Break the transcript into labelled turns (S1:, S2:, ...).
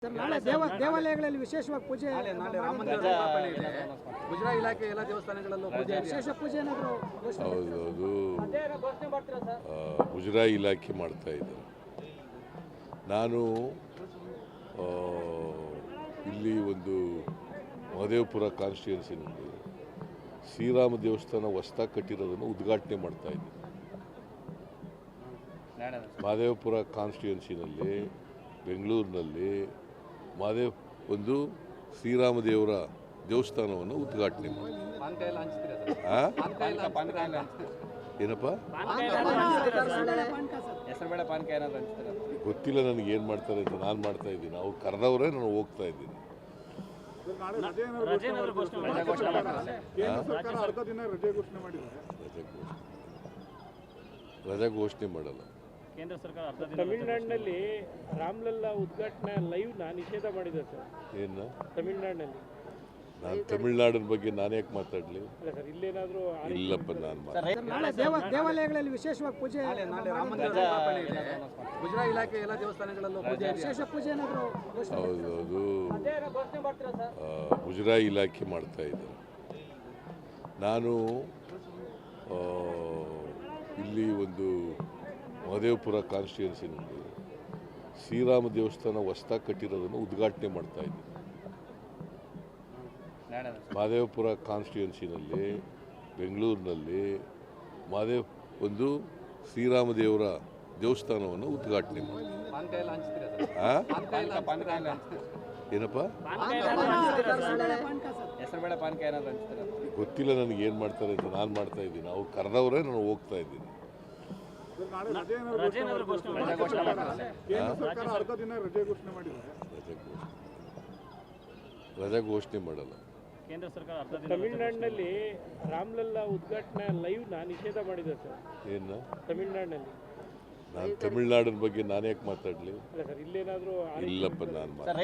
S1: Sir, ನಾಳೆ ದೇವಾಲಯಗಳಲ್ಲಿ ವಿಶೇಷವಾಗಿ ಪೂಜೆ
S2: ಗುಜರಾ ಇಲಾಖೆ ಎಲ್ಲ ದೇವಸ್ಥಾನಗಳಲ್ಲೂ ಪೂಜೆ
S1: ವಿಶೇಷ ಪೂಜೆ ಏನಾದರೂ
S3: ಹೌದು, ಗುಜರಾ ಇಲಾಖೆ ಮಾಡ್ತಾ ಇದ್ದಾರೆ. ನಾನು ಇಲ್ಲಿ ಒಂದು ಮಹದೇವಪುರ ಕಾನ್ಸ್ಟಿಟ್ಯೂನ್ಸಿನಲ್ಲಿ ಶ್ರೀರಾಮ ದೇವಸ್ಥಾನ ಹೊಸದಾಗಿ ಕಟ್ಟಿರೋದನ್ನು ಉದ್ಘಾಟನೆ ಮಾಡ್ತಾ ಇದ್ದೀನಿ. ಮಹದೇವಪುರ ಕಾನ್ಸ್ಟಿಟ್ಯೂನ್ಸಿನಲ್ಲಿ ಬೆಂಗಳೂರಿನಲ್ಲಿ ಒಂದು ಶ್ರೀರಾಮ ದೇವರ ದೇವಸ್ಥಾನವನ್ನು ಉದ್ಘಾಟನೆ ಮಾಡಿ ಏನಪ್ಪ ಗೊತ್ತಿಲ್ಲ ನನಗೆ ಏನು ಮಾಡ್ತಾರೆ ಅಂತ. ನಾನು ಮಾಡ್ತಾ ಇದ್ದೀನಿ, ಅವ್ರು ಕರೆದವರೇ ನಾನು ಹೋಗ್ತಾ ಇದ್ದೀನಿ. ರಜೆ ಘೋಷಣೆ ಮಾಡಲ್ಲ.
S4: ಕೇಂದ್ರ ಸರ್ಕಾರ ತಮಿಳುನಾಡಿನಲ್ಲಿ ರಾಮ್ಲಲ್ಲಾ ಉದ್ಘಾಟನಾ ಲೈವ್ ನಿಷೇಧ ಮಾಡಿದೆ ಸರ್.
S3: ಏನು
S4: ತಮಿಳುನಾಡಿನಲ್ಲಿ?
S3: ನಾನು ತಮಿಳುನಾಡಿನ ಬಗ್ಗೆ ನಾನು ಯಾಕೆ ಮಾತಾಡಲಿ?
S4: ಇಲ್ಲೇನಾದರೂ
S3: ಇಲ್ಲಪ್ಪ, ನಾನು
S1: ನಾಳೆ ದೇವಾಲಯಗಳಲ್ಲಿ ವಿಶೇಷವಾಗಿ ಪೂಜೆ
S2: ಗುಜರಾ ಇಲಾಖೆ ಎಲ್ಲ ದೇವಸ್ಥಾನಗಳಲ್ಲೂ ಪೂಜೆ
S1: ವಿಶೇಷ ಪೂಜೆ ಏನಾದರೂ
S3: ಹೌದು, ಗುಜರಾ ಇಲಾಖೆ ಮಾಡ್ತಾ ಇದ್ದಾರೆ. ನಾನು ಇಲ್ಲಿ ಒಂದು ಮಹದೇವಪುರ ಕಾನ್ಸ್ಟಿಟ್ಯೂನ್ಸಿನಲ್ಲಿ ಶ್ರೀರಾಮ ದೇವಸ್ಥಾನ ಹೊಸದಾಗಿ ಕಟ್ಟಿರೋದನ್ನು ಉದ್ಘಾಟನೆ ಮಾಡ್ತಾ ಇದ್ದೀನಿ. ಮಹದೇವಪುರ ಕಾನ್ಸ್ಟಿಟ್ಯೂನ್ಸಿನಲ್ಲಿ ಬೆಂಗಳೂರಿನಲ್ಲಿ ಒಂದು ಶ್ರೀರಾಮ ದೇವರ ದೇವಸ್ಥಾನವನ್ನು ಉದ್ಘಾಟನೆ ಮಾಡಿ ಏನಪ್ಪ ಗೊತ್ತಿಲ್ಲ ನನಗೆ ಏನು ಮಾಡ್ತಾರೆ ಅಂತ. ನಾನು ಮಾಡ್ತಾ ಇದ್ದೀನಿ, ಅವ್ರು ಕರೆದವರೇ ನಾನು ಹೋಗ್ತಾ ಇದ್ದೀನಿ. ರಜೆ ಘೋಷಣೆ ಮಾಡಲ್ಲ.
S4: ಕೇಂದ್ರ ಸರ್ಕಾರ ತಮಿಳುನಾಡಿನಲ್ಲಿ ರಾಮ್ಲಲ್ಲಾ ಉದ್ಘಾಟನಾ ಲೈವ್ ನಿಷೇಧ ಮಾಡಿದೆ ಸರ್.
S3: ಏನು
S4: ತಮಿಳುನಾಡಿನಲ್ಲಿ?
S3: ನಾನು ತಮಿಳುನಾಡಿನ ಬಗ್ಗೆ ನಾನು ಯಾಕೆ ಮಾತಾಡಲಿ?
S4: ಇಲ್ಲೇನಾದರೂ
S3: ಇಲ್ಲಪ್ಪ, ನಾನು